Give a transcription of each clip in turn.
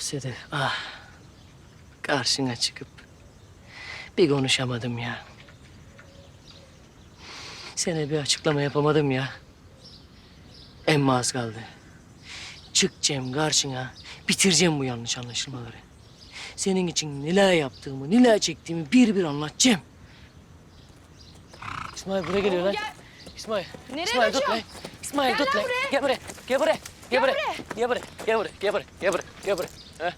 Sedef, ah. Karşına çıkıp bir konuşamadım ya. Sana bir açıklama yapamadım ya. Emma az kaldı. Çıkacağım karşına, bitireceğim bu yanlış anlaşılmaları. Senin için neler yaptığımı, neler çektiğimi bir anlatacağım. İsmail buraya geliyor lan. İsmail. Nereye İsmail tut lan. kaçıyorsun? İsmail Gel tut lan lan. buraya. Gel buraya. Gel buraya. Gel buraya. Gel buraya. Gel buraya. Gel buraya. Gel buraya. Gel buraya. Heh.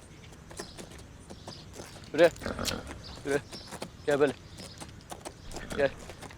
Buraya. Buraya. Gel böyle. Gel.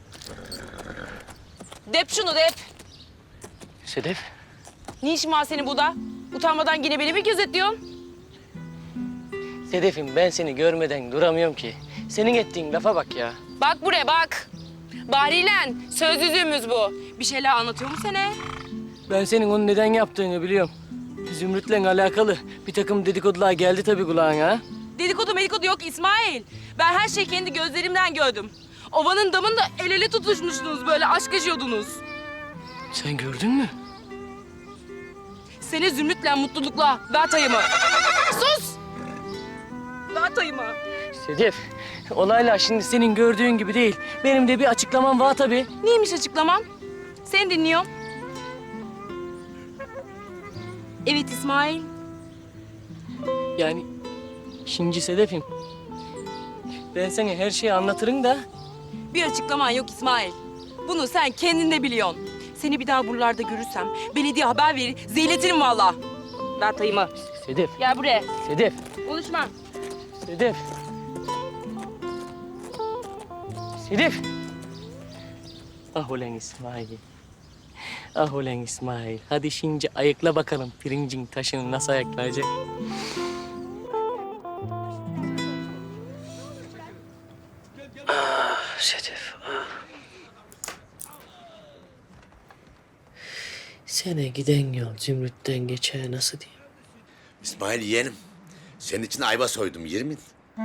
Dep şunu dep. Sedef. Ne işin var senin burada? Utanmadan yine beni mi gözetliyorsun? Sedef'im ben seni görmeden duramıyorum ki. Senin ettiğin lafa bak ya. Bak buraya bak. Bahriyle söz yüzüğümüz bu. Bir şeyler anlatıyor mu sana? Ben senin onu neden yaptığını biliyorum. Zümrüt'le alakalı bir takım dedikodular geldi tabii kulağına. Dedikodu medikodu yok İsmail. Ben her şeyi kendi gözlerimden gördüm. Ovanın damında el ele tutuşmuştunuz böyle aşk yaşıyordunuz. Sen gördün mü? Seni Zümrüt'le mutlulukla ver tayımı. Sus! Ver tayımı. Sedef, olaylar şimdi senin gördüğün gibi değil. Benim de bir açıklamam var tabii. Neymiş açıklaman? Seni dinliyorum. Evet İsmail. Yani şimdi Sedef'im. Ben sana her şeyi anlatırım da Bir açıklaman yok İsmail. Bunu sen kendin de biliyorsun. Seni bir daha buralarda görürsem belediye haber verir, zeyletirim vallahi. Ver tayımı. Sedef, Gel buraya. Sedef, Konuşma. Sedef. Sedef. Ah ulan İsmail. Ah ulan İsmail. Hadi şimdi ayıkla bakalım pirincin taşını nasıl ayıklayacak. Ah Sedef, ah. Sene giden yol Zümrüt'ten geçer nasıl diyeyim? İsmail yeğenim, senin için ayva soydum, yer mi?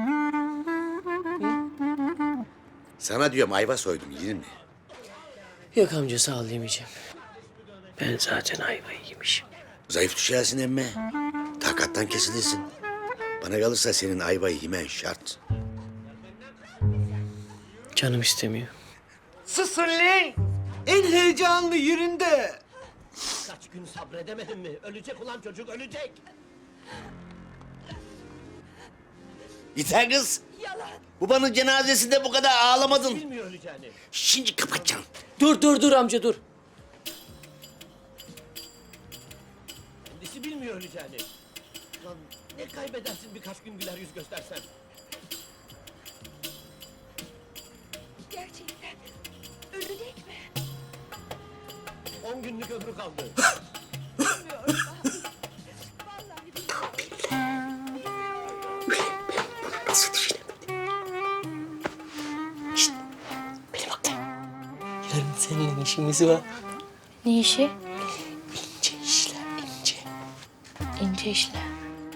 Sana diyorum ayva soydum, yer mi? Yok amca sağ ol yemeyeceğim. Ben zaten ayvayı yemişim. Zayıf düşersin emme. Takattan kesilirsin. Bana kalırsa senin ayvayı yemen şart. Canım istemiyor. Susun lan! En heyecanlı yerinde. Kaç gün sabredemedim mi? Ölecek ulan çocuk, ölecek. Yeter kız. Babanın cenazesinde bu kadar ağlamadın. Bilmiyor öleceğini. Şimdi kapatacağım. Dur amca dur. Kendisi bilmiyor öleceğini. Lan ne kaybedersin birkaç gün güler yüz göstersen? Gerçekten ölecek mi? 10 günlük ömrü kaldı. Bilmiyorum vallahi. Nasıl düşünemedim? Şişt, beni bak lan. Yarın seninle işimiz var. Ne işi? İnce işler, ince. İnce işler.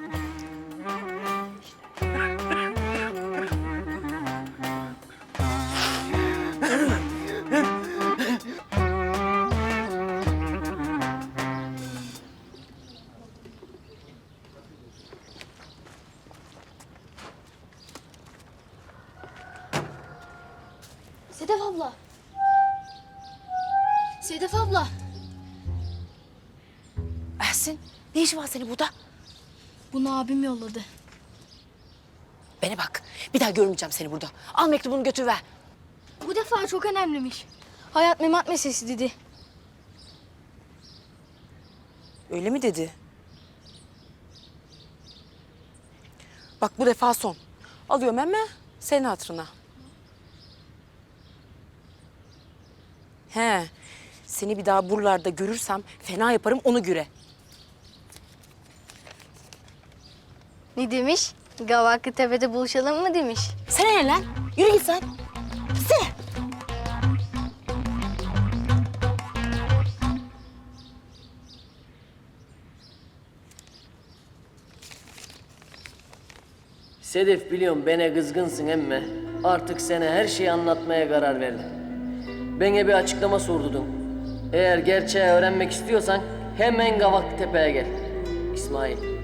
Sedef abla. Sedef abla. Ersin, ne işin var senin burada? Bunu abim yolladı. Bana bak, bir daha görmeyeceğim seni burada. Al mektubunu götür ver. Bu defa çok önemliymiş. Hayat memat meselesi dedi. Öyle mi dedi? Bak bu defa son. Alıyorum emme senin hatırına. He, seni bir daha buralarda görürsem fena yaparım onu göre. Ne demiş? Gavaklı Tepe'de buluşalım mı demiş. Sen ne lan? Yürü git sen. Sen. Sedef biliyorum bana kızgınsın emme. Artık sana her şeyi anlatmaya karar verdim. Bana bir açıklama sordun. Eğer gerçeği öğrenmek istiyorsan hemen Gavaklıtepe'ye gel. İsmail.